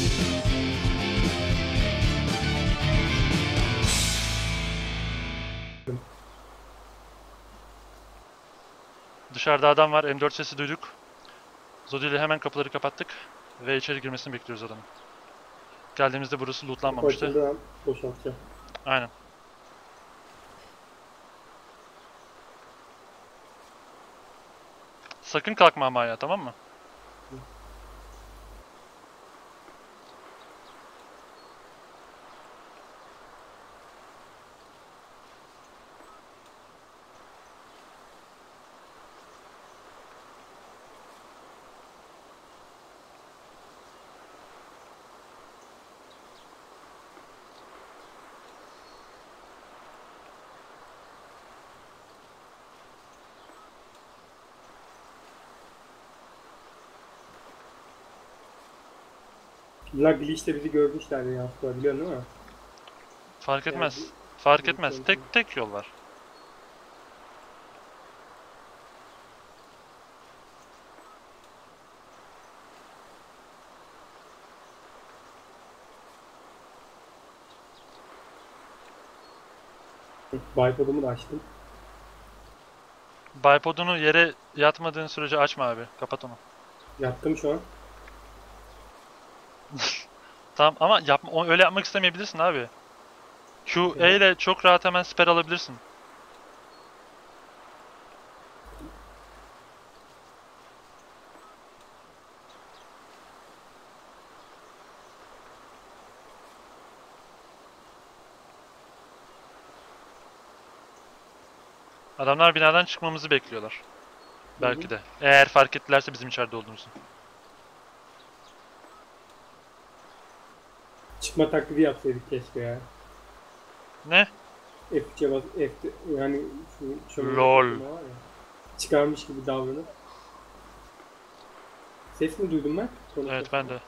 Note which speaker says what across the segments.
Speaker 1: Dışarıda adam var. M4 sesi duyduk. Zodi ile hemen kapıları kapattık. Ve içeri girmesini bekliyoruz adamın. Geldiğimizde burası
Speaker 2: Kapı
Speaker 1: lootlanmamıştı.
Speaker 2: açıldığı an boşaltacağım.
Speaker 1: Aynen. Sakın kalkma ama ya, tamam mı?
Speaker 2: La glitch'te bizi görmüşler ya. Biliyorsun değil mi?
Speaker 1: Fark
Speaker 2: Yani
Speaker 1: etmez. Fark
Speaker 2: bu
Speaker 1: etmez.
Speaker 2: sonuçta.
Speaker 1: Tek yol var.
Speaker 2: Bipodumu da açtım.
Speaker 1: Bipod'unu yere yatmadığın sürece açma abi. Kapat onu.
Speaker 2: Yattım şu an.
Speaker 1: Tamam ama yapma, öyle yapmak istemeyebilirsin abi. Q, E
Speaker 2: Evet.
Speaker 1: ile çok rahat hemen siper alabilirsin. Adamlar binadan çıkmamızı bekliyorlar. Belki de. Eğer fark ettilerse bizim içeride olduğumuzu.
Speaker 2: Çıkma taklidi yapsaydık keşke ya.
Speaker 1: Ne?
Speaker 2: F3'e bas, F, yani şu şöyle
Speaker 1: Lol.
Speaker 2: var ya. Çıkarmış gibi davranıp. Ses mi duydum ben?
Speaker 1: Evet, ben de.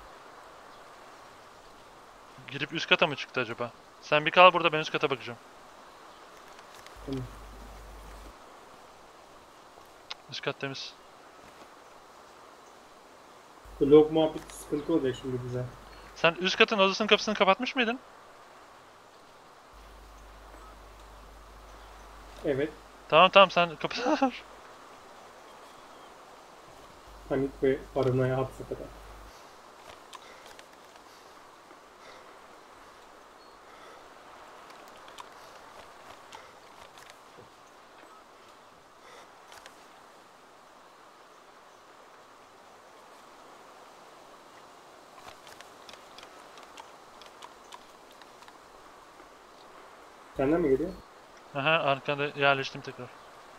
Speaker 1: Girip üst kata mı çıktı acaba? Sen bir kal burada, ben üst kata bakacağım.
Speaker 2: Tamam.
Speaker 1: Üst kat temiz.
Speaker 2: Bu log muhabbeti sıkıntı olacak şimdi bize.
Speaker 1: Sen üst katın odasının kapısını kapatmış mıydın?
Speaker 2: Evet.
Speaker 1: Tamam sen kapısını var.
Speaker 2: Panik ve paranoya had safhada. Senden mi geliyor?
Speaker 1: Aha, arkanda yerleştim tekrar.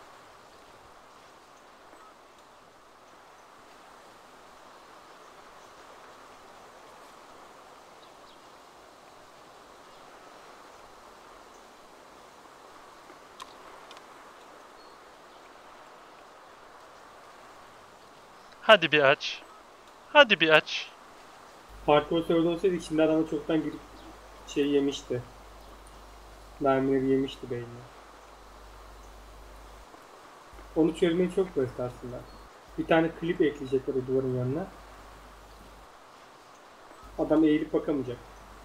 Speaker 1: Hadi bir aç. Hadi bir aç.
Speaker 2: Hardcore server olsaydı şimdi adamı çoktan girip şey yemişti. Mermileri yemişti beynine. Onu çözmeyi çok basit aslında. Bir tane klip ekleyecekler o duvarın yanına. Adam eğilip bakamayacak.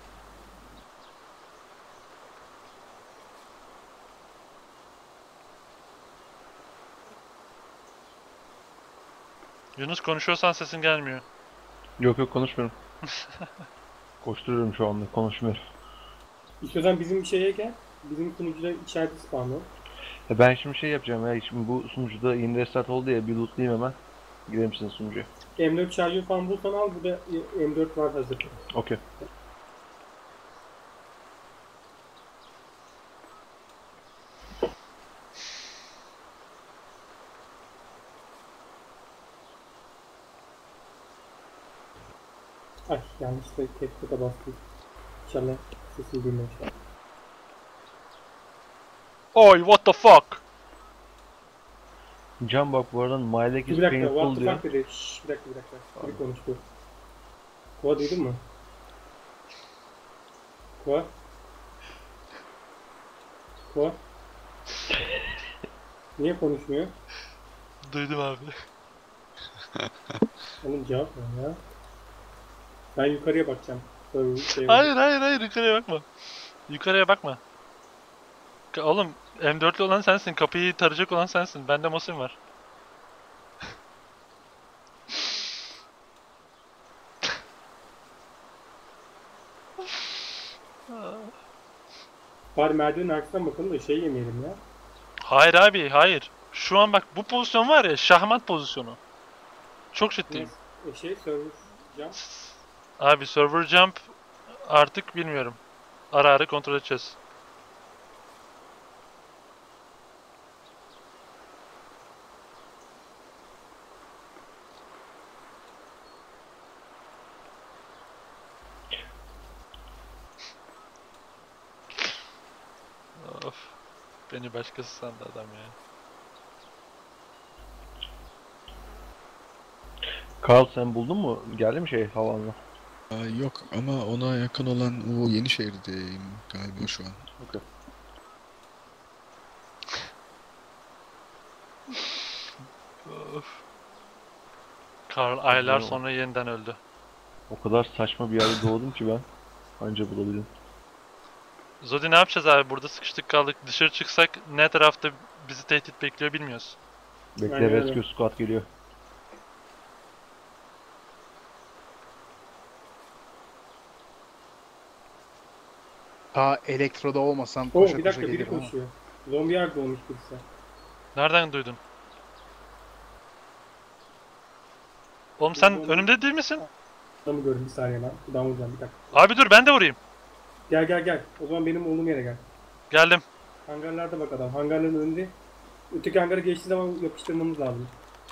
Speaker 1: Yunus, konuşuyorsan sesin gelmiyor.
Speaker 3: Yok konuşmuyorum. Koşturuyorum şu anda, konuşmuyorum.
Speaker 2: İstiyorsan bizim şeye gel. Bizim sunucuda içeride spawn ol.
Speaker 3: Ben şimdi şey yapacağım ya, şimdi bu sunucuda yeni restart oldu ya, bir lootlayayım hemen. Gidelim sizin sunucuya.
Speaker 2: M4 şarjör falan bulsan al. Burada M4 var hazır.
Speaker 3: Okey.
Speaker 2: Ay yanlışlıkla capture'a bastım. İnşallah sesini duymamışlar.
Speaker 1: Oy, what the fuck?
Speaker 3: Can bak, bu arada My Leg is
Speaker 2: Bir dakika, what
Speaker 3: painful
Speaker 2: the
Speaker 3: diyor.
Speaker 2: fuck dedi. Şşş, bir dakika. Biri konuştu. Kova duydun mu? Kova? Kova? Niye konuşmuyor?
Speaker 1: Duydum abi.
Speaker 2: Oğlum cevap ver ya. Ben yukarıya bakacağım.
Speaker 1: Hayır hayır hayır, yukarıya bakma. Yukarıya bakma. Oğlum M4'lü olan sensin. Kapıyı tarayacak olan sensin. Bende Mosin var.
Speaker 2: Bari merdivenin arkasından bakalım da şey yemeyelim ya.
Speaker 1: Hayır abi hayır. Şu an bak bu pozisyon var ya, şahmat pozisyonu. Çok ciddiyim.
Speaker 2: Server cam.
Speaker 1: Abi server jump artık bilmiyorum. Ara ara kontrol edeceğiz. Of. Beni başkası sandı adam ya.
Speaker 3: Carl sen buldun mu? Geldi mi şey havanla?
Speaker 4: Yok ama ona yakın olan o Yenişehir'deyim galiba şu an.
Speaker 3: Okey.
Speaker 1: Of. Karl aylar
Speaker 3: Güzel
Speaker 1: sonra yeniden öldü.
Speaker 3: O kadar saçma bir yerde doğdum ki ben. Anca bulabildim.
Speaker 1: Zodi ne yapacağız abi? Burada sıkıştık kaldık. Dışarı çıksak ne tarafta bizi tehdit bekliyor bilmiyoruz.
Speaker 3: Bekle,
Speaker 2: Aynen öyle.
Speaker 3: rescue squad geliyor.
Speaker 5: Ta elektroda olmasam
Speaker 2: Oo
Speaker 5: koşa
Speaker 2: bir
Speaker 5: koşa
Speaker 2: dakika biri
Speaker 5: gelirim ama.
Speaker 2: koşuyor. Zombi yer doğmuş birisi.
Speaker 1: Nereden duydun? Oğlum sen
Speaker 2: Zombi-
Speaker 1: önümde değil misin?
Speaker 2: Adamı gördüm bir saniye lan. Buradan vuracağım bir dakika.
Speaker 1: Abi dur ben de vurayım.
Speaker 2: Gel gel gel. O zaman benim olduğum yere gel.
Speaker 1: Geldim.
Speaker 2: Hangarlarda bak adam. Hangarların önünde. Öteki hangara geçtiği zaman yapıştırmamız lazım.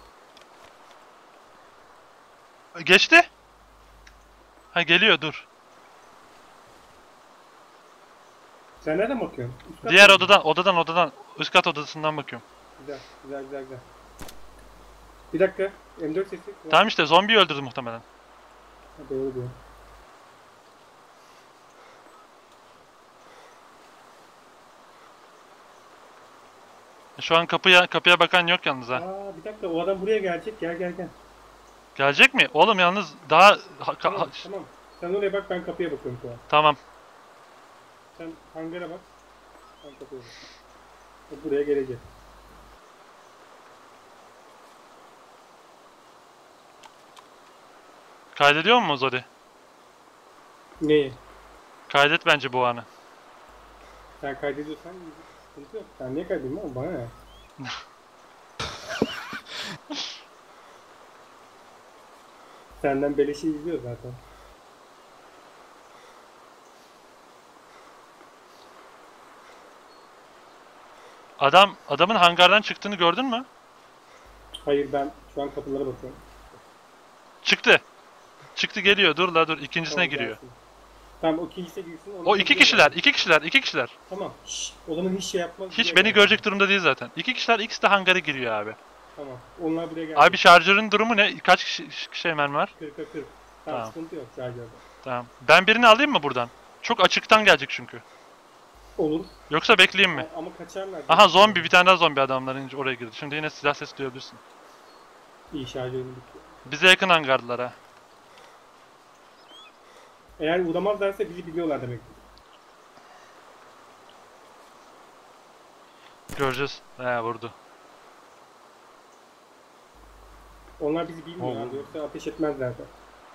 Speaker 1: Geçti. Ha geliyor, dur.
Speaker 2: Sen nereden bakıyorsun? Üst kat
Speaker 1: Diğer
Speaker 2: mı?
Speaker 1: odadan üst kat odasından bakıyorum.
Speaker 2: Güzel güzel güzel güzel. Bir dakika. M4 sesi.
Speaker 1: Tamam işte zombiyi öldürdü muhtemelen.
Speaker 2: Ha, doğru diyor.
Speaker 1: Şu an kapıya bakan yok yalnız ha.
Speaker 2: Aa bir dakika o adam buraya gelecek. Gel gel gel.
Speaker 1: Gelecek mi? Oğlum yalnız daha
Speaker 2: Tamam tamam. Sen oraya bak ben kapıya bakıyorum şu an.
Speaker 1: tamam.
Speaker 2: Sen hangara bak. Ben kapıya bak. O buraya gelecek.
Speaker 1: Kaydediyor mu Zodi?
Speaker 2: Neyi?
Speaker 1: Kaydet bence bu anı.
Speaker 2: Sen kaydediyorsan sıkıntı yok. Sen niye kaydediyorsun oğlum? Bana ne? Senden beleşi izliyor zaten.
Speaker 1: Adamın hangardan çıktığını gördün mü?
Speaker 2: Hayır ben şu an kapılara bakıyorum.
Speaker 1: Çıktı. Çıktı geliyor. Dur la dur. İkincisine
Speaker 2: Tamam,
Speaker 1: giriyor.
Speaker 2: gelsin. Tamam o ikincisi girsin.
Speaker 1: O iki kişiler.
Speaker 2: Tamam. Şşş. Odanın hiç şey yapmaz.
Speaker 1: Hiç
Speaker 2: buraya
Speaker 1: beni
Speaker 2: gel.
Speaker 1: görecek durumda değil zaten. İki kişiler ikisi de hangara giriyor abi.
Speaker 2: Tamam. Onlar buraya geldi.
Speaker 1: Abi şarjörün durumu ne? Kaç şey mermi var?
Speaker 2: 40'a 40. Tamam,
Speaker 1: Tamam.
Speaker 2: sıkıntı yok şarjörde.
Speaker 1: Tamam. Ben birini alayım mı buradan? Çok açıktan gelecek çünkü.
Speaker 2: Olur.
Speaker 1: Yoksa bekleyeyim mi?
Speaker 2: Ama kaçarlar.
Speaker 1: Aha zombi, bir tane daha zombi adamların oraya girdi. Şimdi yine silah sesi duyabilirsin.
Speaker 2: İyi şarjörüm bitti.
Speaker 1: Bize yakın hangardılar ha.
Speaker 2: Eğer uğramazlarsa bizi biliyorlar demek.
Speaker 1: Göreceğiz. He vurdu.
Speaker 2: Onlar bizi bilmiyor
Speaker 3: Oo.
Speaker 2: abi. Yoksa ateş etmezler de.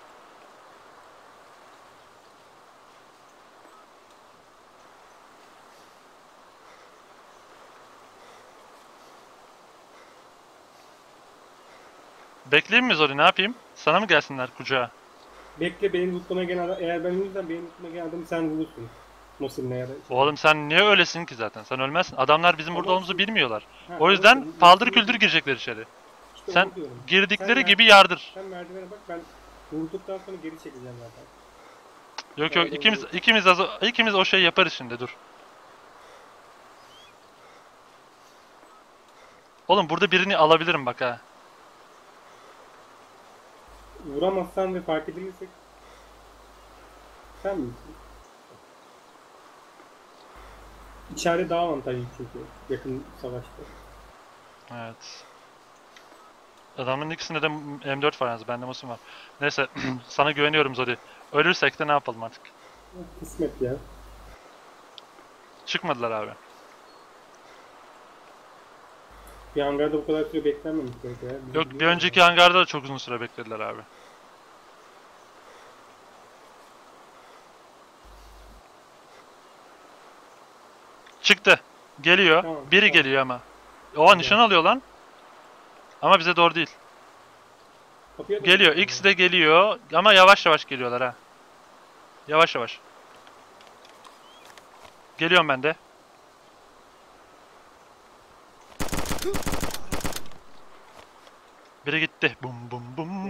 Speaker 1: Bekleyeyim mi Zori, ne yapayım? Sana mı gelsinler kucağa?
Speaker 2: Bekle benim lootlamaya gelen adam. Eğer ben ölürsem benim lootlamaya gelen adamı sen vurursun. Mosin'le ya da.
Speaker 1: Oğlum sen niye öylesin ki zaten? Sen ölmezsin. Adamlar bizim burada
Speaker 2: Ama-
Speaker 1: olduğumuzu bilmiyorlar.
Speaker 2: Ha,
Speaker 1: O yüzden
Speaker 2: olsun.
Speaker 1: paldır küldür girecekler içeri.
Speaker 2: İşte
Speaker 1: Sen
Speaker 2: onu diyorum.
Speaker 1: girdikleri
Speaker 2: Sen
Speaker 1: gibi yardır.
Speaker 2: Sen merdivene bak ben vurduktan sonra geri çekeceğim zaten.
Speaker 1: Yok yok, ikimiz o şey yaparız şimdi, dur. Oğlum burada birini alabilirim bak ha.
Speaker 2: Vuramazsan ve fark edilirsek sen misin? İçeride daha avantajlı çünkü yakın savaşta.
Speaker 1: Evet. Adamın ikisinde de M4 var yalnız. Bende Mosin var. Neyse sana güveniyorum Zodi. Ölürsek de ne yapalım artık.
Speaker 2: Kısmet ya.
Speaker 1: Çıkmadılar abi.
Speaker 2: Bir hangarda bu kadar süre beklenmemiş belki ya.
Speaker 1: Yok bir önceki hangarda da çok uzun süre beklediler abi. Çıktı. Geliyor.
Speaker 2: Tamam,
Speaker 1: Biri
Speaker 2: tamam.
Speaker 1: geliyor ama. Oha nişan alıyor lan. Ama bize doğru değil.
Speaker 2: Kapıya doğru
Speaker 1: Geliyor.
Speaker 2: gidiyor.
Speaker 1: İkisi de geliyor. Ama yavaş yavaş geliyorlar ha. Yavaş yavaş. Geliyorum ben de. Biri gitti. Bum bum bum.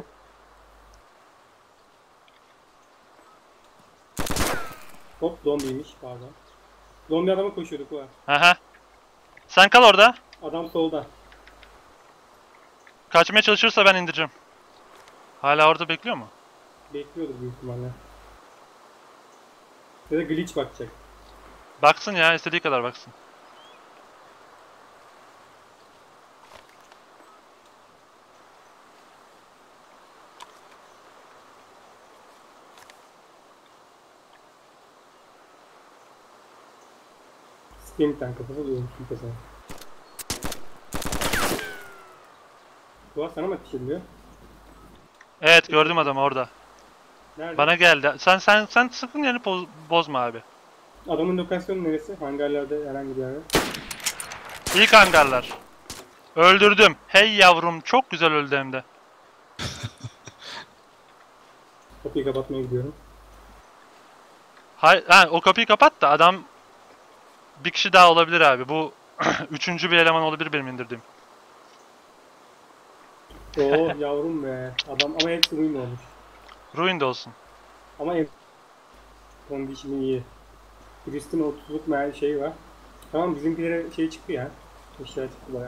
Speaker 2: Hop zombiymiş pardon. Zombi adama koşuyorduk var.
Speaker 1: Aha. Sen kal orada.
Speaker 2: Adam solda.
Speaker 1: Kaçmaya çalışırsa ben indireceğim. Hala orada bekliyor mu?
Speaker 2: Bekliyordur büyük ihtimalle. Ya da glitch bakacak.
Speaker 1: Baksın ya, istediği kadar baksın.
Speaker 2: Splinter'den kafası duyuyormuşsun kafasına. Tuğla sana mı ateş ediliyor?
Speaker 1: Evet, gördüm adamı orada.
Speaker 2: Nerede?
Speaker 1: Bana geldi. Sen sakın yerini bozma abi.
Speaker 2: Adamın lokasyonu neresi? Hangarlarda herhangi bir yerde.
Speaker 1: İlk hangarlar. Öldürdüm. Hey yavrum, çok güzel öldü hem de.
Speaker 2: Kapıyı kapatmaya gidiyorum.
Speaker 1: Ha, o kapıyı kapat da adam bir kişi daha olabilir abi. Bu üçüncü bir eleman olabilir benim indirdiğim.
Speaker 2: Oo yavrum be. Adam ama hepsi ruin olmuş.
Speaker 1: Ruin de olsun.
Speaker 2: Ama ev kondisyonu iyi. Turistin 30'luk meğer şey var. Tamam bizimkilere şey çıktı ya. Eşya çıktı baya.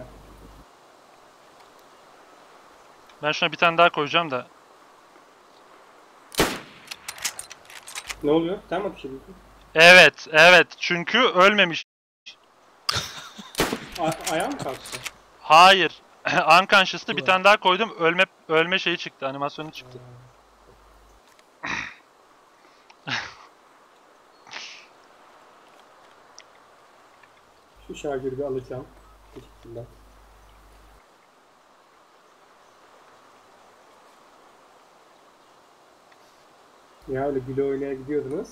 Speaker 1: Ben şuna bir tane daha koyacağım da.
Speaker 2: Ne oluyor? Sen mi ateş ediyorsun?
Speaker 1: Evet, evet. Çünkü ölmemiş.
Speaker 2: Ayağı mı kalktı?
Speaker 1: Hayır. Unconscious'tı bir
Speaker 2: Ulan.
Speaker 1: tane daha koydum. Ölme şeyi çıktı. Animasyonu çıktı.
Speaker 2: Şu şarjörü bir alacağım. Teşekkürler. Ya öyle güle oynaya gidiyordunuz.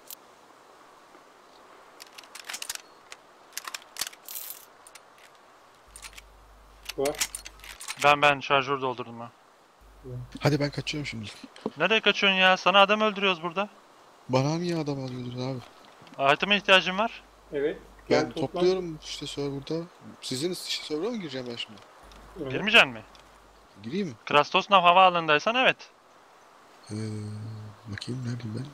Speaker 2: Var.
Speaker 1: Ben şarjör doldurdum ha.
Speaker 4: Hadi ben kaçıyorum şimdi.
Speaker 1: Nereye kaçıyorsun ya? Sana adam öldürüyoruz burada.
Speaker 4: Bana niye adam alıyordun abi?
Speaker 1: Item'a ihtiyacım var.
Speaker 2: Evet.
Speaker 4: Ben
Speaker 2: Gel toplan.
Speaker 4: topluyorum işte serverda. Sizin işte server'a mı gireceğim ben şimdi?
Speaker 2: Evet.
Speaker 1: Girmeyeceksin mi?
Speaker 4: Gireyim mi?
Speaker 1: Krastosnav havaalanındaysan evet.
Speaker 4: Ee, bakayım neredeyim ben?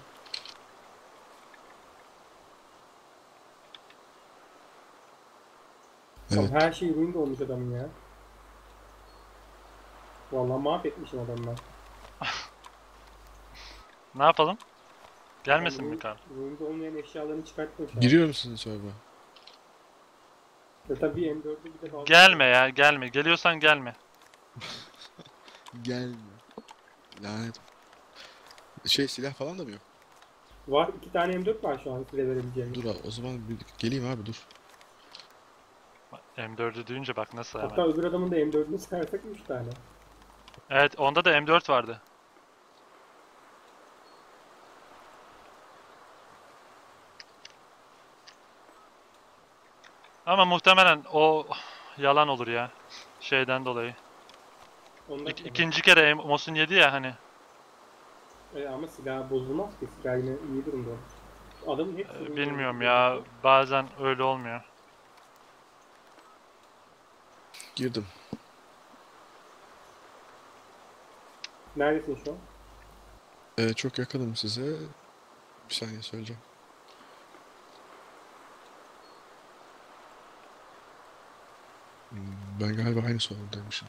Speaker 2: Tamam,
Speaker 4: Evet.
Speaker 2: her şey ruin olmuş adamın ya. Vallahi mahvetmişim adamı ben.
Speaker 1: Ne yapalım? Gelmesin mi
Speaker 2: Ruin-
Speaker 1: Karl?
Speaker 2: Ruin'de olmayan eşyalarını çıkartmış.
Speaker 4: Giriyorum sizin server'a.
Speaker 2: Ya tabii M4'lü bir de fazla.
Speaker 1: Gelme ya, gelme. Geliyorsan gelme.
Speaker 4: Gelme. Lanet. Şey silah falan da mı yok?
Speaker 2: Var 2 tane M4 var şu an size verebileceğim.
Speaker 4: Dur abi, o zaman bir geleyim abi dur.
Speaker 1: M4'ü duyunca bak nasıl
Speaker 2: Hatta
Speaker 1: hemen.
Speaker 2: öbür adamın da M4'ünü çıkarsak 3 tane.
Speaker 1: Evet, onda da M4 vardı. Ama muhtemelen o yalan olur ya. Şeyden dolayı.
Speaker 2: Ondan sonra.
Speaker 1: İkinci kere Mosin yedi ya hani.
Speaker 2: Ama silah bozulmaz ki. Silah yine iyi durumda. Adamın hepsi ruin
Speaker 1: Bilmiyorum
Speaker 2: olmuş.
Speaker 1: ya. Bazen öyle olmuyor.
Speaker 4: Girdim.
Speaker 2: Neredesin şu an?
Speaker 4: Çok yakınım size. Bir saniye söyleyeceğim. Ben galiba aynı serverdaymışım.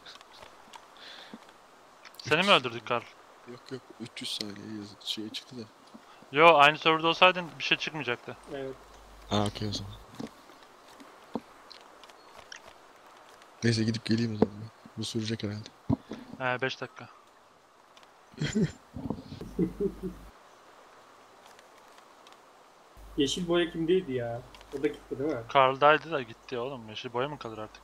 Speaker 1: Seni mi öldürdük Karl?
Speaker 4: Yok yok 300 saniye şey çıktı da.
Speaker 1: Yo, aynı serverda olsaydın bir şey çıkmayacaktı.
Speaker 2: Evet.
Speaker 4: Okey o zaman. Neyse gidip geleyim o zaman ben. Bu sürecek herhalde.
Speaker 1: 5 dakika.
Speaker 2: Yeşil boya kimdeydi ya? O da gitti değil mi?
Speaker 1: Karl'daydı da gitti oğlum. Yeşil boya mı kalır artık?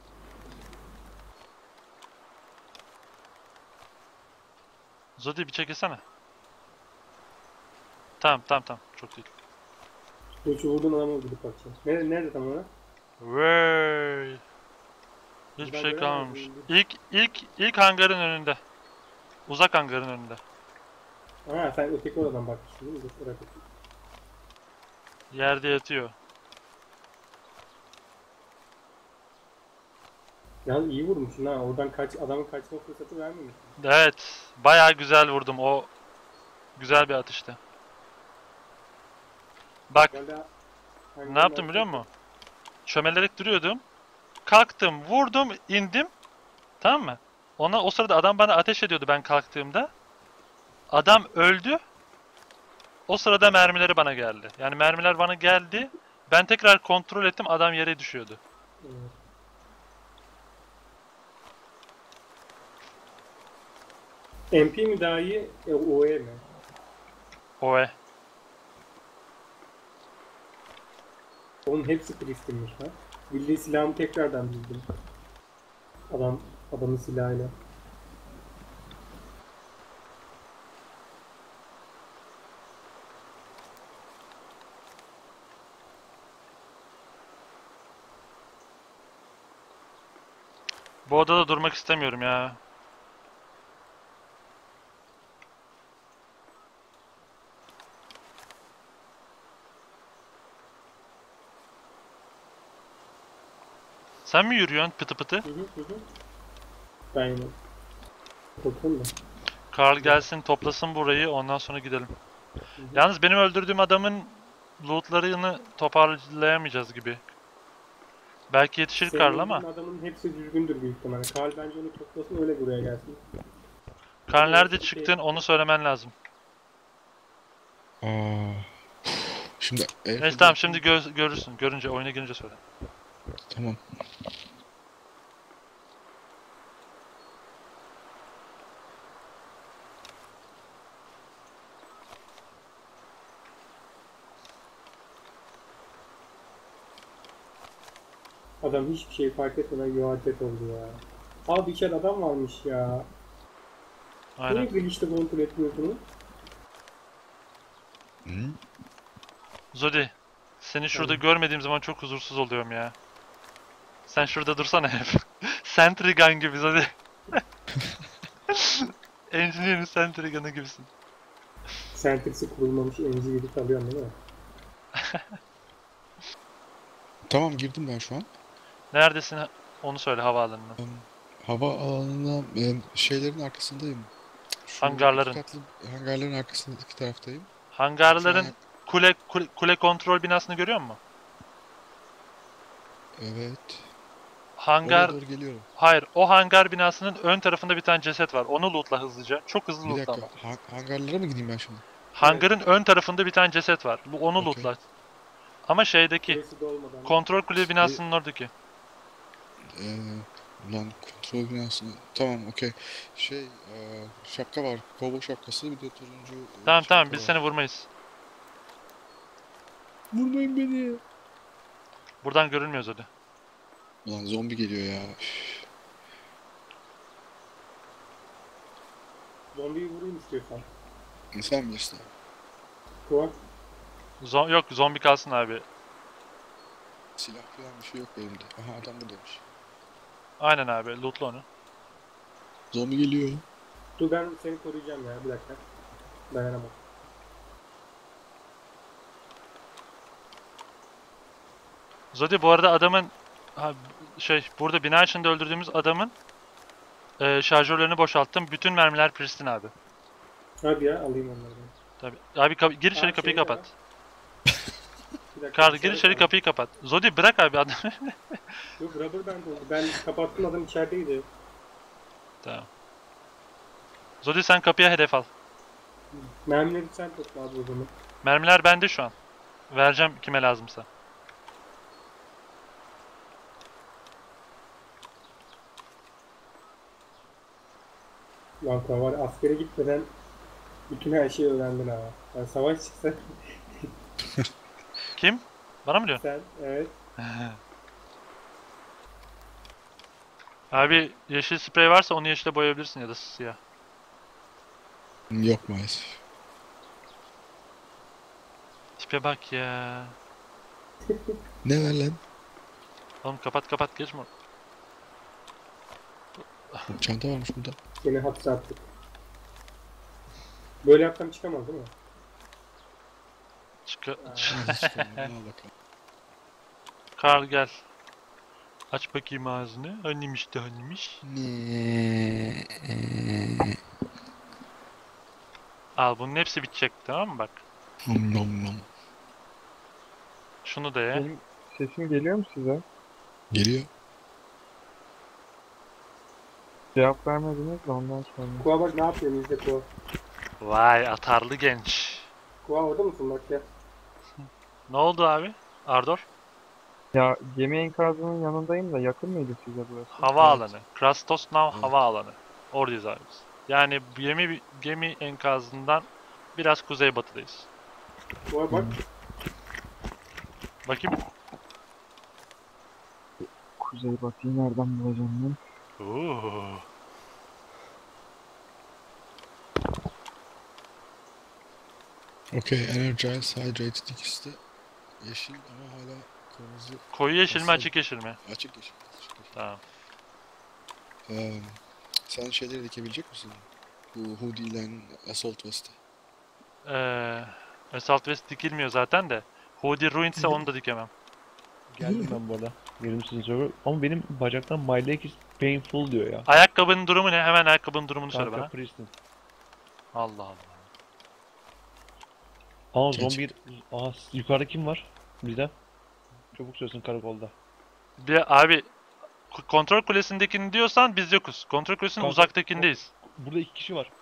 Speaker 1: Zodi bir çekilsene. Tamam. Çok değil.
Speaker 2: Dur şu vurduğun adama gidip bakacağım. Nerede tam olarak?
Speaker 1: Vay. Hiçbir
Speaker 2: Ben
Speaker 1: şey
Speaker 2: göremedim.
Speaker 1: kalmamış. İlk hangarın önünde. Uzak hangarın önünde.
Speaker 2: Ha sen öteki oradan bakmışsın değil mi? Dur, bırak bakayım.
Speaker 1: Yerde yatıyor.
Speaker 2: Yalnız iyi vurmuşsun ha. Oradan adamın kaçma fırsatı vermemişsin.
Speaker 1: Evet. Bayağı güzel vurdum. O güzel bir atıştı. Bak ne yaptım biliyor musun? Çömelerek duruyordum. Kalktım, vurdum, indim. Tamam mı? O sırada adam bana ateş ediyordu ben kalktığımda. Adam öldü. O sırada mermileri bana geldi. Yani mermiler bana geldi. Ben tekrar kontrol ettim. Adam yere düşüyordu.
Speaker 2: Evet. MP mi daha iyi, OE mi?
Speaker 1: Oe.
Speaker 2: Onun hepsi Pristin'miş ha. Bildiği silahımı tekrardan bildim. Adamın silahıyla.
Speaker 1: Bu odada durmak istemiyorum ya. Sen mi yürüyorsun pıtı pıtı?
Speaker 2: Hı. Ben yine. Korkuyorum da.
Speaker 1: Karl gelsin toplasın burayı ondan sonra gidelim.
Speaker 2: Hı.
Speaker 1: Yalnız benim öldürdüğüm adamın lootlarını toparlayamayacağız gibi. Belki yetişir
Speaker 2: Senin
Speaker 1: Karl ama.
Speaker 2: öldürdüğün adamın hepsi düzgündür büyük ihtimalle. Karl bence onu toplasın öyle buraya gelsin.
Speaker 1: Karl nerede çıktın onu söylemen lazım.
Speaker 4: Aa. Şimdi
Speaker 1: Neyse tamam şimdi görürsün. Görünce oyuna girince söyle.
Speaker 4: Tamam.
Speaker 2: Adam hiçbir şey fark etmeden yuvarlak oldu ya. Abi içeride adam varmış ya. Niye
Speaker 1: Aynen.
Speaker 2: glitch'te kontrol etmiyorsunuz?
Speaker 4: Hı?
Speaker 1: Zodi. Seni şurada
Speaker 2: Tamam.
Speaker 1: görmediğim zaman çok huzursuz oluyorum ya. Sen şurada dursana hep. Sentry gun gibi Zodi. Engineer'in Sentry gun'ı gibisin.
Speaker 2: Sentrix'i kurulmamış emci gibi kalıyorsun değil mi?
Speaker 4: Tamam, girdim ben şu an.
Speaker 1: Neredesin onu söyle havaalanına.
Speaker 4: Hava alanına şeylerin arkasındayım. Şu
Speaker 1: Hangarların.
Speaker 4: iki katlı hangarların arkasındaki taraftayım.
Speaker 1: Hangarların
Speaker 4: Şu an-
Speaker 1: kule kontrol binasını görüyor musun?
Speaker 4: Evet.
Speaker 1: Hangar...
Speaker 4: Oraya doğru geliyorum.
Speaker 1: Hayır, o hangar binasının ön tarafında bir tane ceset var. Onu lootla hızlıca. Çok hızlı
Speaker 4: Bir
Speaker 1: lootla
Speaker 4: dakika.
Speaker 1: ama.
Speaker 4: Hangarlara mı gideyim ben şimdi?
Speaker 1: Hangarın ön tarafında bir tane ceset var. Onu
Speaker 4: Okey.
Speaker 1: lootla. Ama şeydeki,
Speaker 2: Burası da olmadan.
Speaker 1: kontrol kule binasının oradaki.
Speaker 4: Ulan kontrol binasını. Tamam, okey. Şapka var. Kovboy şapkası, bir de turuncu
Speaker 1: Tamam
Speaker 4: şapka
Speaker 1: biz
Speaker 4: var.
Speaker 1: seni vurmayız.
Speaker 4: Vurmayın beni.
Speaker 1: Buradan görünmüyoruz öyle.
Speaker 4: Ulan zombi geliyor ya. Üf.
Speaker 2: Zombiyi vurayım istiyorsan.
Speaker 4: Sen bilirsin.
Speaker 2: Kuva.
Speaker 1: Yok zombi kalsın abi.
Speaker 4: Silah falan bir şey yok elimde. Aha, adam buradaymış.
Speaker 1: Aynen abi lootla onu.
Speaker 4: Zombi geliyor.
Speaker 2: Dur ben seni koruyacağım ya bir dakika. Dayanamam.
Speaker 1: Zodi bu arada adamın burada bina içinde öldürdüğümüz adamın şarjörlerini boşalttım. Bütün mermiler Pristin abi.
Speaker 2: Hadi ya alayım onları ben.
Speaker 1: Tabii. Abi gir içeri
Speaker 2: Aa,
Speaker 1: kapıyı
Speaker 2: şey
Speaker 1: kapat.
Speaker 2: var. Bir dakika,
Speaker 1: Karl gir
Speaker 2: dışarı
Speaker 1: içeri
Speaker 2: kaldı.
Speaker 1: kapıyı kapat. Zodi bırak abi adamı.
Speaker 2: Yok rubber band oldu. Ben kapattım adam içerideydi.
Speaker 1: Tamam. Zodi sen kapıya hedef al.
Speaker 2: Mermileri sen topla abi o zaman.
Speaker 1: Mermiler bende şu an. Vereceğim kime lazımsa.
Speaker 2: Lan Kuva var askere gitmeden bütün her şeyi öğrendin ha. Yani savaş çıksa
Speaker 1: Kim? Bana mı diyor?
Speaker 2: sen evet.
Speaker 1: Abi yeşil sprey varsa onu yeşile boyayabilirsin ya da siyah.
Speaker 4: Yok maalesef.
Speaker 1: Tipe bak ya.
Speaker 4: Ne var lan?
Speaker 1: Oğlum kapat geçme.
Speaker 4: Çanta varmış burada.
Speaker 2: Seni hapse attık. Böyle yapsam çıkamaz değil mi?
Speaker 4: Nasıl çıkalım? Al bakalım.
Speaker 1: Karl gel. Aç bakayım ağzını. Hanimiş de hanimiş.
Speaker 4: Ne?
Speaker 1: Al bunun hepsi bitecek tamam mı bak.
Speaker 4: Nom nom nom.
Speaker 1: Şunu da ye.
Speaker 6: Benim sesim geliyor mu size?
Speaker 4: Geliyor.
Speaker 6: Cevap vermediniz de ondan sonra.
Speaker 2: Kuva bak ne yapıyorsun izle Kuva.
Speaker 1: Vay atarlı genç.
Speaker 2: Kuva orada mısın bak ya.
Speaker 1: Ne oldu abi? Ardor?
Speaker 6: Ya gemi enkazının yanındayım da yakın mıydı size burası?
Speaker 1: Havaalanı. Krastos Nav
Speaker 4: Evet.
Speaker 1: havaalanı. Oradayız abi biz. Yani gemi enkazından biraz kuzeybatıdayız.
Speaker 2: Kuva bak.
Speaker 1: Bakayım.
Speaker 6: Kuzey batıyı nereden bulacağım ben?
Speaker 1: Oo.
Speaker 4: Okay, energized, hydrated ikisi de yeşil ama hala kırmızı.
Speaker 1: Koyu yeşil mi
Speaker 4: Nasıl?
Speaker 1: açık yeşil mi?
Speaker 4: Açık yeşil. Açık yeşil.
Speaker 1: Tamam.
Speaker 4: Sen şeyleri dikebilecek misin? Bu hoodie ile assault vest'i.
Speaker 1: Assault West dikilmiyor zaten de. Hoodie Ruined ise onu da dikemem.
Speaker 3: Geldim ben bu arada. Yerim sizin server. Ama benim bacaktan my leg is painful diyor ya.
Speaker 1: Ayakkabının durumu ne? Hemen ayakkabının durumunu söyle
Speaker 3: Kanka
Speaker 1: bana.
Speaker 3: Pristin.
Speaker 1: Allah Allah.
Speaker 3: Aa
Speaker 4: Geç.
Speaker 3: zombi... Aa yukarıda kim var? Bizde. Çabuk söylesin karakolda.
Speaker 1: Bir abi kontrol kulesindekini diyorsan biz yokuz. Kontrol kulesinin
Speaker 3: Kanka,
Speaker 1: uzaktakindeyiz.
Speaker 3: Burada 2 kişi var.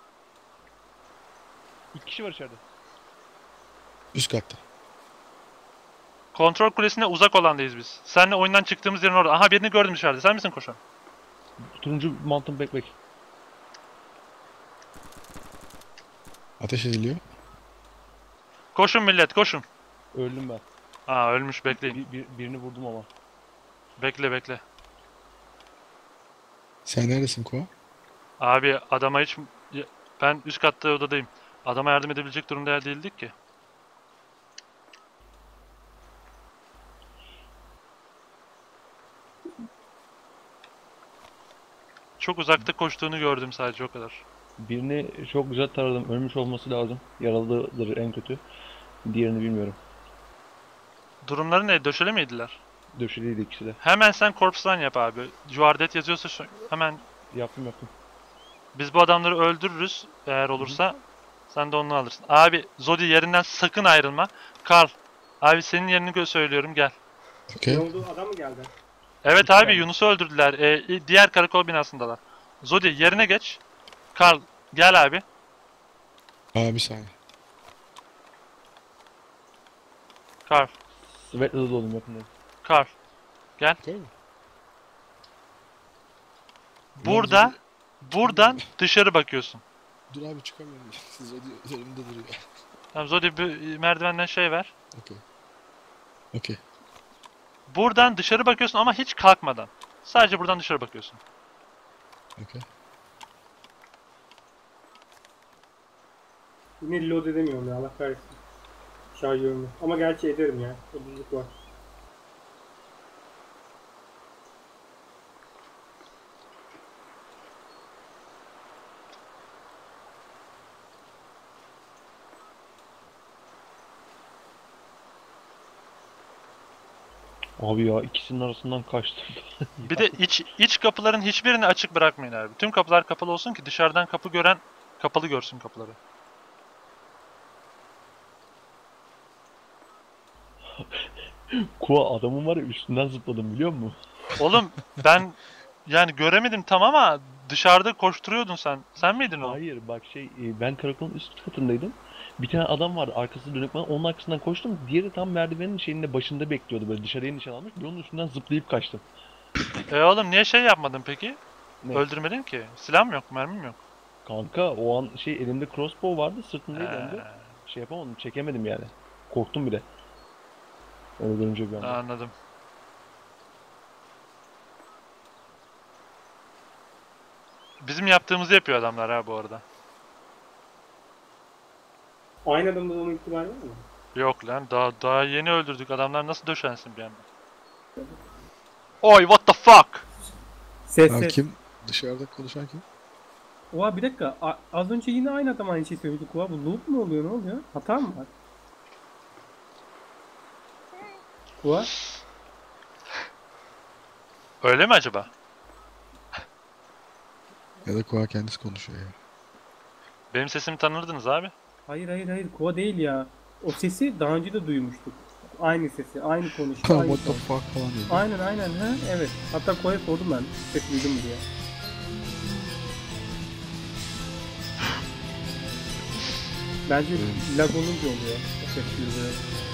Speaker 3: 2 kişi var içeride.
Speaker 4: Üst katta.
Speaker 1: Kontrol kulesine uzak olandayız biz. Seninle oyundan çıktığımız yerin orada. Aha birini gördüm dışarıda. Sen misin koşan?
Speaker 3: Turuncu mountain backpack.
Speaker 4: Ateş ediliyor.
Speaker 1: Koşun millet koşun.
Speaker 3: Öldüm ben.
Speaker 1: Aa ölmüş bekleyin.
Speaker 3: Birini vurdum ama.
Speaker 1: Bekle.
Speaker 4: Sen neredesin Kua?
Speaker 1: Abi adama hiç... Ben üst katta odadayım. Adama yardım edebilecek durumda değildik ki. Çok uzakta koştuğunu gördüm sadece o kadar.
Speaker 3: Birini çok güzel taradım. Ölmüş olması lazım. Yaralıdır en kötü. Diğerini bilmiyorum.
Speaker 1: Durumları ne? Döşeli miydiler?
Speaker 3: Döşeliydi ikisi de.
Speaker 1: Hemen sen corpse run yap abi. Juardet yazıyorsa hemen
Speaker 3: Yaptım.
Speaker 1: biz bu adamları öldürürüz eğer olursa. Sen de onu alırsın. Abi Zodi yerinden sakın ayrılma. Karl. Abi senin yerini söylüyorum gel.
Speaker 2: Ne
Speaker 4: Okay.
Speaker 2: oldu adam mı geldi?
Speaker 1: Evet abi Yunus'u öldürdüler. Diğer karakol binasındalar. Zodi yerine geç. Karl gel abi.
Speaker 4: Bir saniye.
Speaker 1: Karl.
Speaker 3: Svet'le de oldum yakında.
Speaker 1: Karl. Gel.
Speaker 4: Tamam.
Speaker 1: Buradan dışarı bakıyorsun.
Speaker 4: Dur abi çıkamıyorum. Siz önümde duruyor.
Speaker 1: Tamam Zodi bir merdivenden şey ver.
Speaker 4: Okay. Okay.
Speaker 1: Buradan dışarı bakıyorsun ama hiç kalkmadan. Sadece buradan dışarı bakıyorsun.
Speaker 4: Okay.
Speaker 2: Yine load edemiyorum ya Allah kahretsin. Şarjörümü. Ama gerçi ederim ya. Ucuzluk var.
Speaker 3: Abi ya ikisinin arasından kaçtım.
Speaker 1: Bir de iç kapıların hiçbirini açık bırakmayın abi. Tüm kapılar kapalı olsun ki dışarıdan kapı gören kapalı görsün kapıları.
Speaker 3: Kua adamın var ya üstünden zıpladım biliyor musun?
Speaker 1: Oğlum ben yani göremedim tam ama dışarıda koşturuyordun sen. Sen miydin o?
Speaker 3: Hayır bak ben karakolun üst katındaydım. Bir tane adam vardı arkası dönük bana onun arkasından koştum. Diğeri tam merdivenin şeyinde başında bekliyordu böyle dışarıya nişan almış. Ben onun üstünden zıplayıp kaçtım.
Speaker 1: Oğlum niye şey yapmadın peki?
Speaker 3: Ne?
Speaker 1: Öldürmedin ki. Silahım yok, mermim yok.
Speaker 3: Kanka o an şey elimde crossbow vardı sırtımdaydı hem de. Şey yapamadım çekemedim yani. Korktum bile. Öyle görünce bir anda.
Speaker 1: Anladım. Bizim yaptığımızı yapıyor adamlar ha bu arada.
Speaker 2: Aynı adamda olma ihtimali var mı?
Speaker 1: Yok lan daha yeni öldürdük. Adamlar nasıl döşensin bir anda? Oy what the fuck?
Speaker 2: Ses
Speaker 4: Ha,
Speaker 2: ses.
Speaker 4: kim? Dışarıda konuşan kim?
Speaker 2: Oha bir dakika. Az önce yine aynı adam aynı şey söyledi. Oha bu loop mu oluyor? Ne oluyor? Hata mı var? Oha.
Speaker 1: Öyle mi acaba?
Speaker 4: Ya da Koa kendisi konuşuyor ya.
Speaker 1: Benim sesimi tanırdınız abi.
Speaker 2: Hayır. Kova değil ya. O sesi daha önce de duymuştuk. Aynı sesi, aynı konuşma,
Speaker 4: Tamam
Speaker 2: aynı
Speaker 4: what the
Speaker 2: ton.
Speaker 4: fuck falan dedi.
Speaker 2: Aynen ha evet. Hatta Kova'ya sordum ben. Ses duydun mu diye. Bence lag olunca oluyor. O ses duyuluyor.